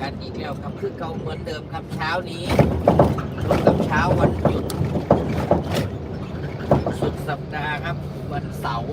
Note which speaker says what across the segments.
Speaker 1: กันอีกแล้วครับคือเก่าเหมือนเดิมครับเช้านี้ตรงกับเช้าวันหยุดสุดสัปดาห์ครับวันเสาร์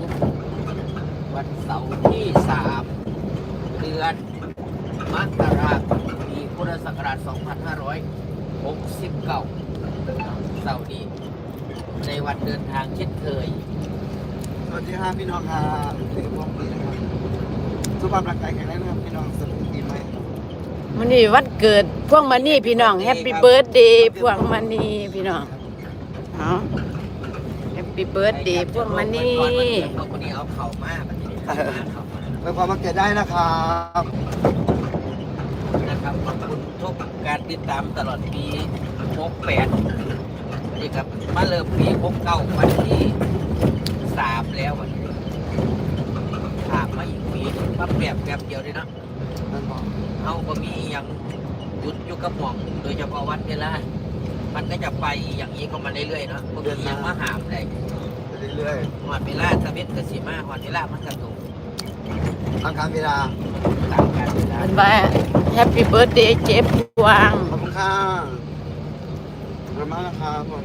Speaker 1: ที่3เดือนมกราคมปีพุทธศักราช2569เสาร์นี้ในวันเดินทางเช่นเคย
Speaker 2: สวัสดีครับพี่น้องครับถึงพวกนี้นะครับสุขภาพร่างกายแข็งแรงนะครับพี่น้องสนุกดีไหม
Speaker 3: วันนี้วันเกิดพวงมณีพี่น้องแฮปปี้เบิร์ธเดย์พวงมณีพี่น้องเอาแฮปปี้เบิร์ธเดย์พวงมณี
Speaker 1: พวกนี้เอาเข่ามาแบบนี้เขามา
Speaker 2: ไปความมาเกิดได้นะครับ
Speaker 1: นะครับขอบคุณทุกการติดตามตลอดปี68นี่ครับมาเริ่มปี69วันที่3แล้ววันนี้ถามมาอีกปีมาแป๊บเดียวเลยเนาะ
Speaker 2: นั่นบอก
Speaker 1: เอาก็มีอย่างหยุดอยู่กับหม่องโดยเฉพาะวันเวลามันก็จะไปอย่างนี้ก็มาเรื่อยๆเนาะบางทียังมาหามเลย
Speaker 2: ไปเรื่อย
Speaker 1: หอดเวลาสวิตกสิมาหอดเวลามันกระตุก
Speaker 2: ๆตามการเวลา
Speaker 1: ตามการเวลา
Speaker 3: มันว่าแฮปปี้เบิร์ธเดย์เจ๊พวง
Speaker 2: ขอบคุณค่ะขอบคุณมากนะครับผม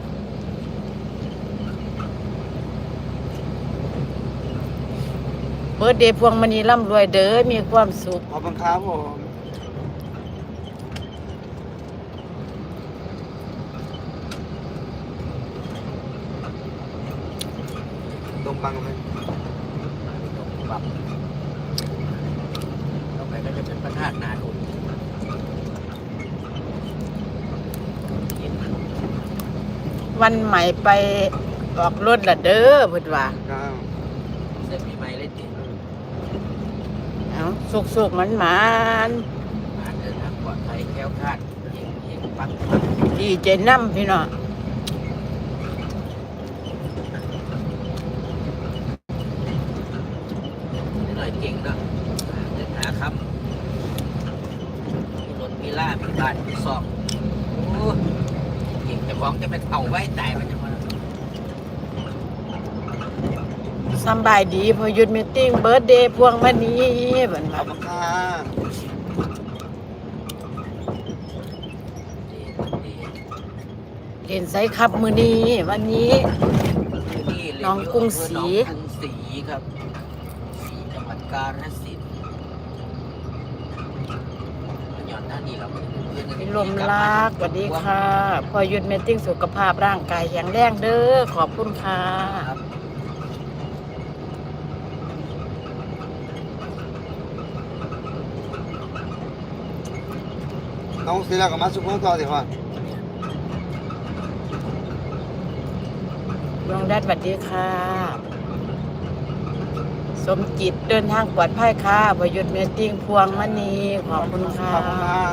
Speaker 3: เบิร์ธเดย์พวงมณีร่ำรวยเด้อมีความสุข
Speaker 2: ขอบคุณครับผมดมบังไหม
Speaker 1: ปรับต่อไปก็จะเป็นพระธาตุนาดุล
Speaker 3: วันใหม่ไปออกรถละเด้อเพิ่นว่า
Speaker 2: ก้าว
Speaker 1: เส้นปีใหม่เลยติ
Speaker 3: เอาสุกๆมัน
Speaker 1: มาเดินทางปลอดภัยแคล้วคลาดเฮงปัง
Speaker 3: ๆดีใจนำพี่น้อง
Speaker 1: นิดหน่อยเก่งเนาะเดินหาคำมีรถมีล่ามีบ้านมีซอกโอ้เก่งจะฟ้องจะเป็นเต่าไว้ตายมันจะมา
Speaker 3: สำบายดีพอหยุดมีตติ้งเบิร์ธเดย์พวงมณีเพิ่น
Speaker 2: ข
Speaker 3: ว่า
Speaker 2: อบคุณค่ะ
Speaker 3: เล่นไสครับมื้อนี้วันนี้ น้องกรุงศรี
Speaker 1: น้องกรุงศรีครับศรีจังหวัดกาฬสินธุ์ย้อนหน้านี้เราไม่ได้เพื่อนกัน
Speaker 3: พี่ลมรักสวัสดีค่ะ พอหยุดมีตติ้งสุขภาพร่างกายแข็งแรงเด้อขอบคุณค่ะ
Speaker 1: ครับ
Speaker 2: น้องศิลากับมาสุขภาพต่อสิครับ
Speaker 3: ดวงแดดสวัสดีค่ะ สมจิตเดินทางปลอดภัยค่ะพอหยุดมีตติ้งพวงมณีขอบคุณค่ะ
Speaker 2: ขอบคุณค่ะ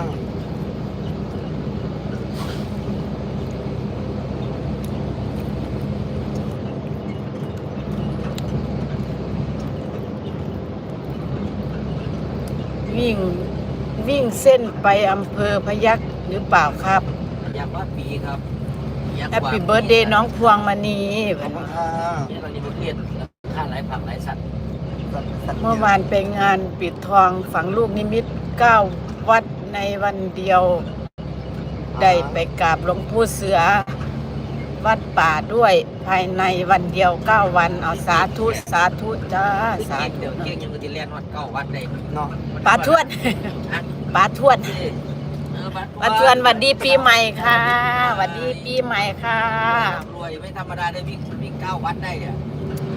Speaker 3: วิ่งเส้นไปอำเภอพยัคฆ์หรือเปล่าครับ
Speaker 1: อยากว่าปีครับอยาก
Speaker 3: แฮป
Speaker 1: ว่า
Speaker 3: ปี้เบิร์ธเดย์น้องพวงมณี
Speaker 2: ขอบคุณค่ะ
Speaker 1: เนี่ยเรานี่ประเทศค่าหลายผักหลายสัตว์
Speaker 3: เมื่อวานไปงานปิดทองฝังลูกนิมิต9 วัดในวันเดียว ได้ไปกราบหลวงปู่เสือ วัดป่าด้วยภายในวันเดียว9 วันเอาสาธุสาธุจ้าสา
Speaker 1: เก่ง
Speaker 3: ธุ
Speaker 1: เดี๋ยวเก่งยังก็จะเรียนวัดเก้าวัดได้
Speaker 2: เนาะ
Speaker 3: ป้าทวด
Speaker 1: ฮะ
Speaker 3: ป้าทวด
Speaker 1: วัด
Speaker 3: ป้าทวดหวัดดีปีใหม่ค่ะหวัดดีปีใหม่ค่ะ
Speaker 1: รวยไม่ธรรมดาได้วิ่ง9 วัดได้เนี่ย